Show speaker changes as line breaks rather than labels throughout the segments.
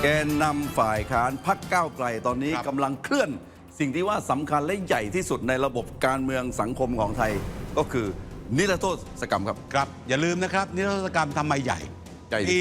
แกนนำฝ่ายค้านพรรคก้าวไกลตอนนี้กำลังเคลื่อนสิ่งที่ว่าสำคัญและใหญ่ที่สุดในระบบการเมืองสังคมของไทยก็คือนิรโทษกรรมครับ
ครับอย่าลืมนะครับนิรโทษกรรมทำไมใหญ่ปี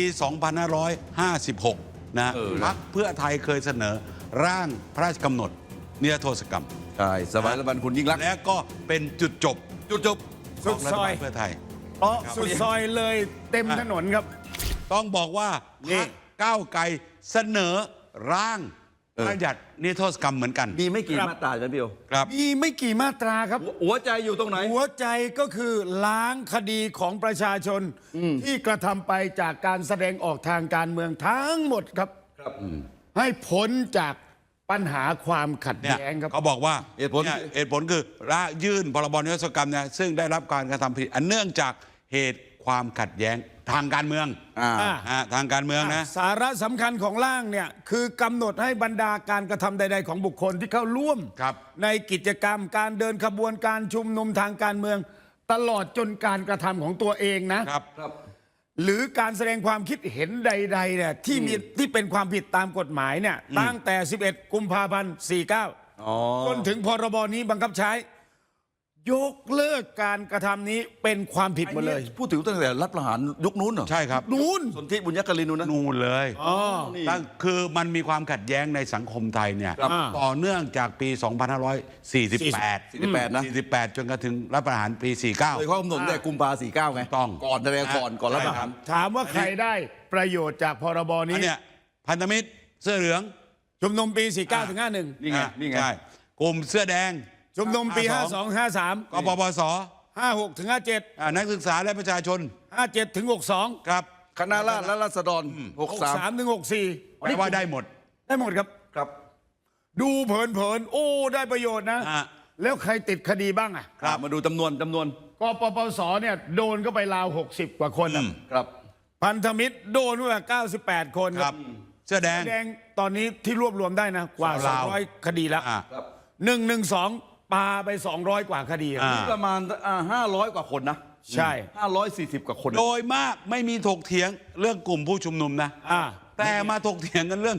2556 นะพรรคเพื่อไทยเคยเสนอร่างพระราชกำหนดนิรโทษกรรม
ใช่สมัยรัฐบาลคุณยิ่งรักษณ์
และก็เป็นจุดจบ
สุดซอย
เพื่อไทย
สุดซอยเลยเต็มถนนครับ
ต้องบอกว่าพรรคก้าวไกลเสนอร่างพระราชบัญญัตินิรโทษกรรมเหมือนกัน
มีไม่กี่มาตราใช่ไหมพี่โอ
ครับ
มีไม่กี่มาตราครับ
หัวใจอยู่ตรงไหน
หัวใจก็คือล้างคดีของประชาชนที่กระทำไปจากการแสดงออกทางการเมืองทั้งหมดครับให้พ้นจากปัญหาความขัดแย้งครับ
เขาบอกว่าเหตุผลคือยื่นพรบนิรโทษกรรมเนี่ยซึ่งได้รับการกระทำผิดอันเนื่องจากเหตุความขัดแย้งทางการเมืองทางการเมืองนะ
สาระสำคัญของร่างเนี่ยคือกำหนดให้บรรดาการกระทำใดๆของบุคคลที่เข้าร่วมในกิจกรรมการเดินขบวนการชุมนุมทางการเมืองตลอดจนการกระทำของตัวเองนะครับหรือการแสดงความคิดเห็นใดๆเนี่ยที่เป็นความผิดตามกฎหมายเนี่ยตั้งแต่ 11 กุมภาพันธ์ 49จนถึงพรบนี้บังคับใช้ยกเลิกการกระทำนี้เป็นความผิดหมดเลย
พูดถึงตั้งแต่รัฐประหารยุคนู้นเหรอ
ใช่ครับ
นู้น
สนธิบุญยกลิน
นู่นเลยคือมันมีความขัดแย้งในสังคมไทยเนี่ยต่อเนื่องจากปี 2548
นะ
48จนกระทั่งรัฐประหารปี 49
โดยข้อกำหนดแต่กุมภาพันธ์ 49ไง
ต้อง
ก่อนแสดงก่อนรัฐประหาร
ถามว่าใครได้ประโยชน์จากพรบนี้
เนี่ยพันธมิตรเสื้อเหลือง
ชุมนุมปี 49 ถึง 51
นี่ไง
ใช่กลุ่มเสื้อแดง
ชุมนุมปี 52 53
กปปส
56 ถึง 57
นักศึกษาและประชาชน
57 ถึง 62
ครับ
คณะราษฎรและราษฎร
63 ถึง 64
แปลว่าได้หมด
ครับดูเผินๆโอ้ได้ประโยชน์นะแล้วใครติดคดีบ้างอ่ะ
มาดูจำนวน
กปปสเนี่ยโดนก็ไปราว60 กว่าคน
ครับ
พันธมิตรโดนว่า98 คน
ครับเสื้อแดง
ตอนนี้ที่รวบรวมได้นะกว่า200 คดีแล้ว112ปาไป200 กว่าคดี
ประมาณ500 กว่าคนนะ
ใช่
540 กว่าคน
โดยมากไม่มีถกเถียงเรื่องกลุ่มผู้ชุมนุมนะแต่มาถกเถียงกันเรื่อง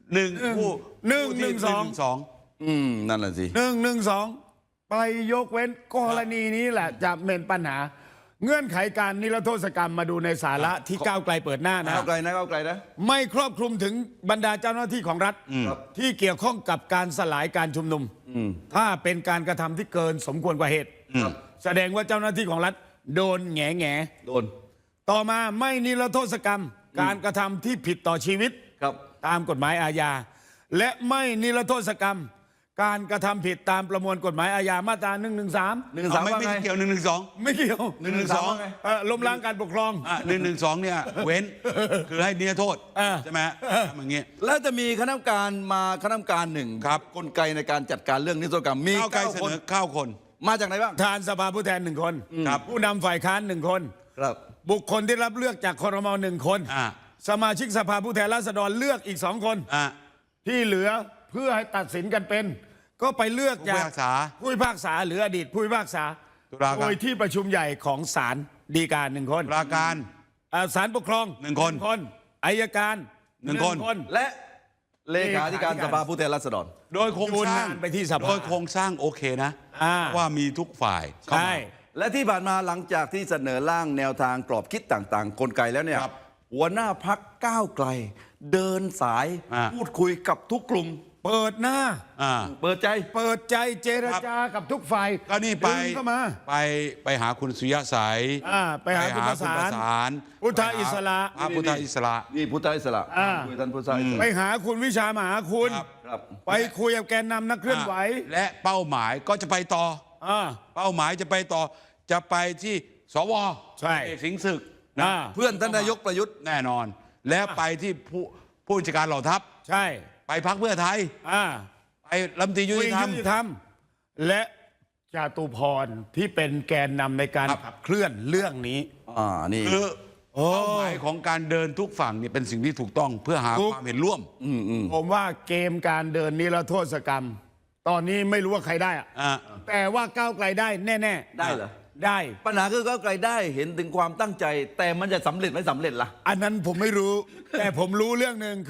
112นั่นแหละสิ
112ไปยกเว้นกรณีนี้แหละจะเป็นปัญหาเงื่อนไขการนิรโทษกรรมมาดูในสาระที่ก้าวไกลเปิดหน้านะ
ก้าวไกลนะ
ไม่ครอบคลุมถึงบรรดาเจ้าหน้าที่ของรัฐที่เกี่ยวข้องกับการสลายการชุมนุมถ้าเป็นการกระทำที่เกินสมควรกว่าเหตุแสดงว่าเจ้าหน้าที่ของรัฐโดนแง่
โดน
ต่อมาไม่นิรโทษกรรมการกระทำที่ผิดต่อชีวิตตามกฎหมายอาญาและไม่นิรโทษกรรมการกระทำผิดตามประมวลกฎหมายอาญามาตรา113
ไม่เกี่ยว112
ไม่เกี่ยว112ล้มล้างการปกครอง
112เนี่ยเว้นคือให้นิรโทษใช่ไหมอย่างเงี้ย
แล้วจะมีคณะกรรมการหนึ่งกลไกในการจัดการเรื่องนิรโทษกรรมมี
9 คน9 คน
มาจากไหนบ้าง
ทานสภาผู้แทน1 คนผู้นำฝ่ายค้าน1 คนบุคคลที่รับเลือกจากครม1 คนสมาชิกสภาผู้แทนราษฎรเลือกอีก2 คนที่เหลือเพื่อให้ตัดสินกันเป็นก็ไปเลือกจากผู้พิพากษาหรืออดีตผู้พิพากษาโดยที่ประชุมใหญ่ของศาลฎีกา1 คน
ตุลาการ
ศาลปกครอง
1 คน
อัยการ
1 คน
และเลขาธิการสภาผู้แทนราษฎร
โดยโครงสร้าง
ไปที่สภา
โดยโครงสร้างโอเคนะว่ามีทุกฝ่าย
ใช่
และที่ผ่านมาหลังจากที่เสนอร่างแนวทางกรอบคิดต่างๆกลไกแล้วเนี่ยหัวหน้าพรรคก้าวไกลเดินสายพูดคุยกับทุกกลุ่ม
เปิดหน้า
เปิด
ใจเจรจากับทุกฝ่าย
ก็นี่ไปหาคุณสุริยะสาย
ไปหาคุณประสานพุทธอิสระ
พุทธอิสระ
นี่พุทธอิสระคุยท่านพุทธอิสระ
ไปหาคุณวิชามหาคุณไปคุยกับแกนนำนักเคลื่อนไหว
และเป้าหมายก็จะไปต่อเป้าหมายจะไปต่อจะไปที่สว
ใช่
สิงห์ศึก
เพื่อนท่านนายกประยุทธ์
แน่นอนแล้วไปที่ผู้บัญชาการเหล่าทัพ
ใช่
ไปพรรคเพื่อไทยไปรัฐมนตรียุติธรรม
และจตุพรที่เป็นแกนนำในการขับเคลื่อนเรื่องนี้
นี่
คือเป้าหมายของการเดินทุกฝั่งนี่เป็นสิ่งที่ถูกต้องเพื่อหาความเห็นร่วม
ผมว่าเกมการเดินนิรโทษกรรมตอนนี้ไม่รู้ว่าใครได้แต่ว่าก้าวไกลได้แน่
ๆได้เหรอ
ได้
ปัญหาคือก้าวไกลได้เห็นถึงความตั้งใจแต่มันจะสำเร็จไม่สำเร็จล่ะ
อันนั้นผมไม่รู้แต่ผมรู้เรื่องหนึ่งคือ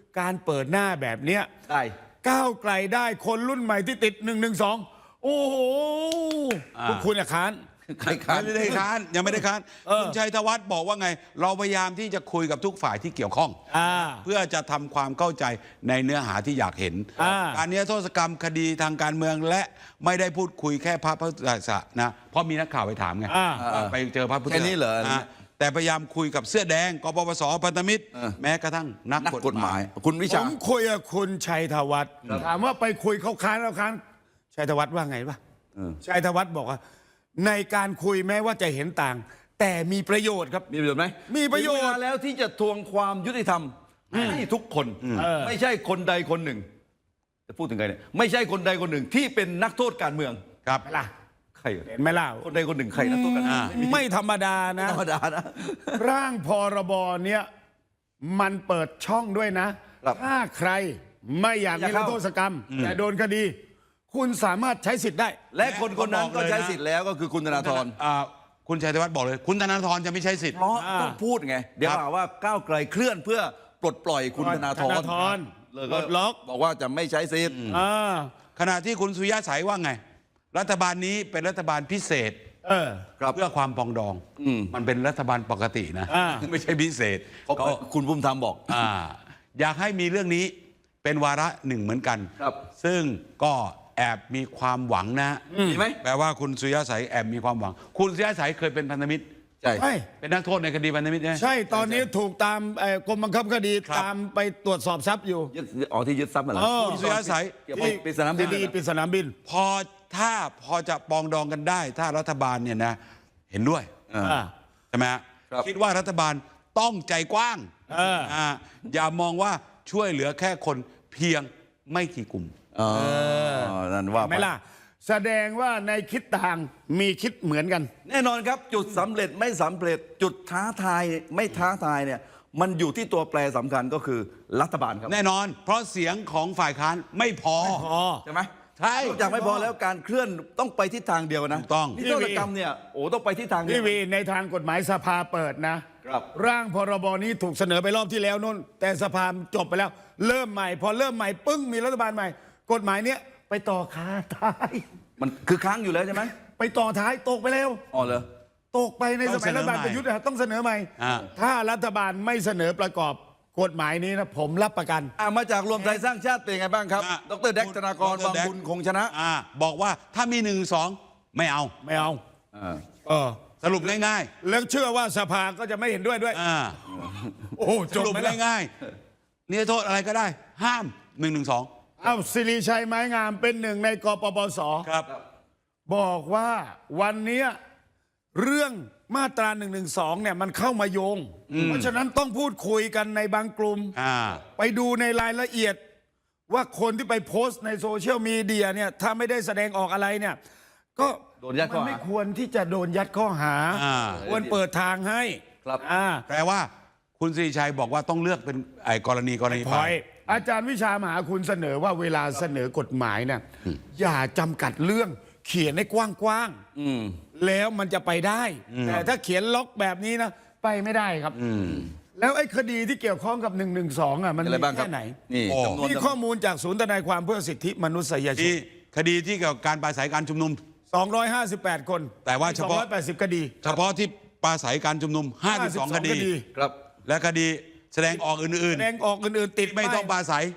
การเปิดหน้าแบบเนี้ย
ได้
ก้าวไกลได้คนรุ่นใหม่ที่ติด112โอ้โหพวกคุณอะค้าน
ใครค้าน
ไม่ได้ค้านยังไม่ได้ค้านคุณชัยธวัฒน์บอกว่าไง เราพยายามที่จะคุยกับทุกฝ่ายที่เกี่ยวข้อง เพื่อจะทำความเข้าใจในเนื้อหาที่อยากเห็นการนิรโทษกรรมคดีทางการเมืองและไม่ได้พูดคุยแค่พระพุทธศาสนาเพราะมีนักข่าวไปถามไงไปเจอพระพุทธ
แค่นี้เหรอ
แต่พยายามคุยกับเสื้อแดงกปปสพันธมิตร แม้กระทั่งนัก
นัก
ก
ก
ฎ
ฎ
หมาม
หาย ย คุณวิ
ผ
ชา
มคุยกับคุณชัยธวัฒน์ถามว่าไปคุยเขาค้านชัยธวัฒน์ว่าไงวะชัยธวัฒน์บอกว่า ในการคุยแม้ว่าจะเห็นต่าง แต่มีประโยชน์ครับ
มีประโยชน์ไหม
มีประโยชน์
ถึงเวลาแล้วที่จะทวงความยุติธรรมให้ทุกคน ไม่ใช่คนใดคนหนึ่ง จะพูดถึงใครเนี่ยไม่ใช่คนใดคนหนึ่งที่เป็นนักโทษการเมือง
ครับ
ล่ะ
ใคร
เห็นไหมล่ะ
คนใดคนหนึ่งใครนักโทษการเมือง
ไม่ธรรมดานะ
ธรรมดานะ
ร่างพรบเนี้ยมันเปิดช่องด้วยนะ
ครับ
ถ้าใครไม่อยาก
อยาก
นิร
เข้า
โทษกรรมแต่โดนคดี คุณสามารถใช้สิทธิ์ได้
และคนคนนั้น
บอก
ก็
เลยนะ
ใช้สิทธิ์แล้วก็คือคุณธนาธร
คุณชัยธวัฒน์บอกเลย คุณธนาธรจะไม่ใช้สิทธิ์
เพราะต้องพูดไง เดี๋ยว
ครับ
หาว่าก้าวไกลเคลื่อนเพื่อปลดปล่อยคุณธนาธร เลย
ปลดล็อก
บอกว่าจะไม่ใช้สิทธิ์
ขณะที่คุณสุริยะสายว่าไง รัฐบาลนี้เป็นรัฐบาลพิเศษ
ครับ
เพื่อความปรองดอง มันเป็นรัฐบาลปกตินะ ไม่ใช่พิเศษ
เพราะ
ก็
คุณภูมิธรรมบอก
อยากให้มีเรื่องนี้เป็นวาระหนึ่งเหมือนกัน
ครับ
ซึ่งก็แอบมีความหวังนะ
มีไหม
แปลว่าคุณสุริยะสายแอบมีความหวัง คุณสุริยะสายเคยเป็นพันธมิตร
ใช่
ใช่
เป็นนักโทษในคดีพันธมิตรใช่ไหม
ใช่ตอนนี้ถูกตามกรมบังคับคดี
ครับ
ตามไปตรวจสอบทรัพย์อยู่
ที่ยึดทรัพย์มาแล้ว
คุณสุริยะสาย
เกี่ยวกับปริศนาบิน
คดีปริศนาบิน
พอจะปรองดองกันได้ ถ้ารัฐบาลเนี่ยนะเห็นด้วย ใช่ไหมฮะ
ครับ
คิดว่ารัฐบาลต้องใจกว้างอย่ามองว่าช่วยเหลือแค่คนเพียงไม่กี่กลุ่ม
นั่นว่าไป
ไหม่ล่ะ แสดงว่าในคิดต่างมีคิดเหมือนกัน
แน่นอนครับจุดสำเร็จไม่สำเร็จจุดท้าทายไม่ท้าทายเนี่ยมันอยู่ที่ตัวแปรสำคัญก็คือรัฐบาลครับ
แน่นอน เพราะเสียงของฝ่ายค้านไม่พอ
ใช่ไหม
ใช่
นอกจากไม่พอแล้วการเคลื่อนต้องไปทิศทางเดียวนะ
ถูกต้อง
นิรโทษกรรมเนี่ยต้องไปทิศทางเดี
ที
ยว
วีในทางกฎหมายสภาเปิดนะครับ ร่างพรบนี้ถูกเสนอไปรอบที่แล้วนู่น แต่สภาจบไปแล้ว เริ่มใหม่ พอเริ่มใหม่ปึ้งมีรัฐบาลใหม่ กฎหมายเนี้ยไปต่อค้าท้าย
มันคือค้างอยู่แล้วใช่ไหม
ไปต่อท้ายตกไปแล้ว
อ๋อเหรอ
ตกไปในสมัยรัฐบาลประยุทธ์ต้องเสนอใหม่ ถ้ารัฐบาลไม่เสนอประกอบกฎหมายนี้นะผมรับประกัน
มาจากรวมไทยสร้างชาติเป็นไงบ้างครับ ดรแดกธนากรบางบุญคงชนะ
บอกว่าถ้ามี1-2 ไม่เอา
ไม่เอา
สรุปง่าย
แล้วเชื่อว่าสภาก็จะไม่เห็นด้วย โอ้
ๆ
จ
ส
บ
รุป
ไปแล้ว
ง่ายๆนี่โทษอะไรก็ได้ ห้าม1-1-2
เอาสิริชัยไม้งามเป็นหนึ่งในกปปส
ครับ
บอกว่าวันเนี้ยเรื่องมาตรา1นึเนี่ยมันเข้ามาโยง เพราะฉะนั้นต้องพูดคุยกันในบางกลุ่ม ไปดูในรายละเอียดว่าคนที่ไปโพสต์ในโซเชียลมีเดียเนี่ยถ้าไม่ได้แสดงออกอะไรเนี่ยก็
โดนยัดข้อหา
มันไม่ควรที่จะโดนยัดข้อหา ควรเปิดทางให้
ครับ
แปลว่าคุณสิริชัยบอกว่าต้องเลือกเป็นไอ้กรณี
พ
ไป
อยอาจารย์วิชามหาคุณเสนอว่าเวลาเสนอกฎหมายเนี่ยอย่าจำกัดเรื่องเขียนให้กว้างๆแล้วมันจะไปได้ แต่ถ้าเขียนล็อกแบบนี้นะไปไม่ได้ครับแล้วไอ้คดีที่เกี่ยวข้องกับ1นึมัน
อะไร
มี
บ้างครับ
แค่ไหน
นี่จำนวน
มีข้อมูลจากศูนย์ทนายความเพื่อสิทธิมนุษยช
ที่
น
คดีที่เกี่ยวกับการปราศัยการชุมนุม
258 คน
แต่ว่าเฉพาะ
280 คดี
เฉพาะที่ปราศัยการชุมนุม52 คดี
ครับ
และคดีแสดงออกอื่น
แสดงออกอื่นๆติด
ๆ ไม่ต้องปราศัย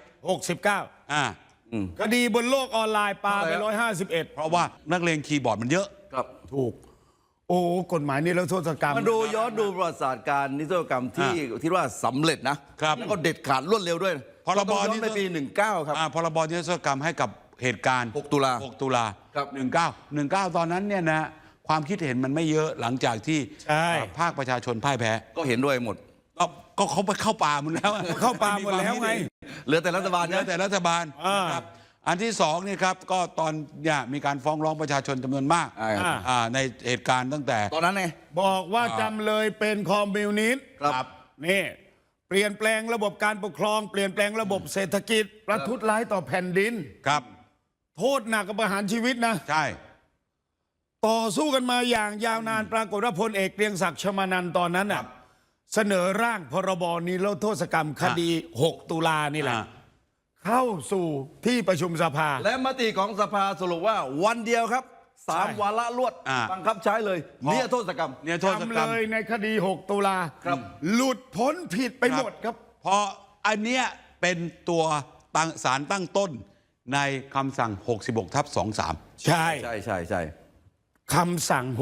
69 คดีบนโลกออนไลน์ปาไป 151
เพราะว่านักเลงคีย์บอร์ดมันเยอะ
ครับ
ถูก โอ้กฎหมายนี้แล้วโทษกรรม
มันดูย้อนดูประวัติศาสตร์การนิรโทษกรรมที่ว่าสำเร็จนะครับ แล้วก็เด็ดขาดรวดเร็วด้วย
พรบ
ต้องย้อนไปปี 19 ครับ
พรบนิรโทษกรรมให้กับเหตุการณ์
6 ตุลา
6 ตุลา
ครับ
19 ตอนนั้นเนี่ยนะความคิดเห็นมันไม่เยอะหลังจากที่
ใช่
ภาคประชาชนพ่ายแพ้
ก็เห็นด้วยหมด
ก็เขาไปเข้าป่าหมดแล้ว
เข้าป่าหมดแล้วไง
เหลือแต่รัฐบาล
เหลือ
นะ
แต่รัฐบาลครับอันที่สองนี่ครับก็ตอนเนี่ยมีการฟ้องร้องประชาชนจำนวนมากในเหตุการณ์ตั้งแต่
ตอนนั้นไง
บอกว่าจำเลยเป็นคอมมิวนิสต์
ครับ
นี่เปลี่ยนแปลงระบบการปกครองเปลี่ยนแปลงระบบเศรษฐกิจ ประทุษร้ายต่อแผ่นดิน
ครับ
โทษหนักกับประหารชีวิตนะ
ใช่
ต่อสู้กันมาอย่างยาวนานปรากฏว่าพลเอกเกรียงศักดิ์ชมานันท์ตอนนั้นน่ะเสนอร่างพรบนิรโทษกรรมคดี 6 ตุลานี่แหละ เข้าสู่ที่ประชุมสภา
และมติของสภาสรุปว่าวันเดียวครับ 3 วาระรวดบังคับใช้เลยนิรโทษกรรม
เนี่ยโทษกรรม
จำเลยในคดี 6 ตุลา
ครับ
หลุดพ้นผิดไปหมดครับ
เพราะอันเนี้ยเป็นตัวสารตั้งต้นในคำสั่ง 66/23
ใช่
ใช่ใช่ใช่
คำสั่ง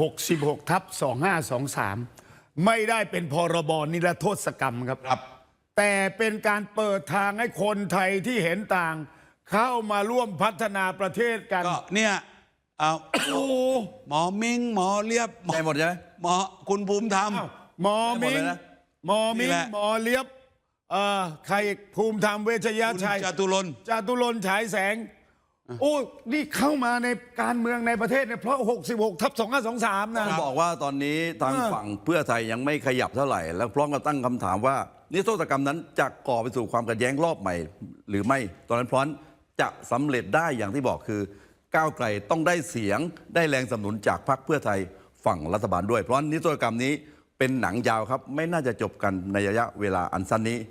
66/2523 ไม่ได้เป็นพรบนิรโทษกรรมครับ
ครับ
แต่เป็นการเปิดทางให้คนไทยที่เห็นต่าง เข้ามาร่วมพัฒนาประเทศกัน
ก็เนี่ยเอา
โอ้
หมอมิงหมอเลียบ
ได้หมดใช่ไหม
หมอคุณภูมิธรรม
อ้าวหมอมิง
ได้หมดเลยนะ
หมอมิ
นี่
ง
แหละ
หมอเลียบใครอีกภูมิธรรมเวชย
คุณ
ชัย
จตุรนต์
จตุรนต์ฉายแสง โอ้นี่เข้ามาในการเมืองในประเทศเนี่ยเพราะ 66/2523 นะ
ต้องบอกว่าตอนนี้ทางฝั่งเพื่อไทยยังไม่ขยับเท่าไหร่ แล้วพร้อมกับตั้งคำถามว่านิรโทษกรรมนั้นจะก่อไปสู่ความขัดแย้งรอบใหม่ หรือไม่ ตอนนั้นพร้อมจะสำเร็จได้อย่างที่บอกคือก้าวไกลต้องได้เสียงได้แรงสนับสนุนจากพรรคเพื่อไทยฝั่งรัฐบาลด้วย เพราะนิรโทษกรรมนี้เป็นหนังยาวครับไม่น่าจะจบกันในระยะเวลาอันสั้นนี้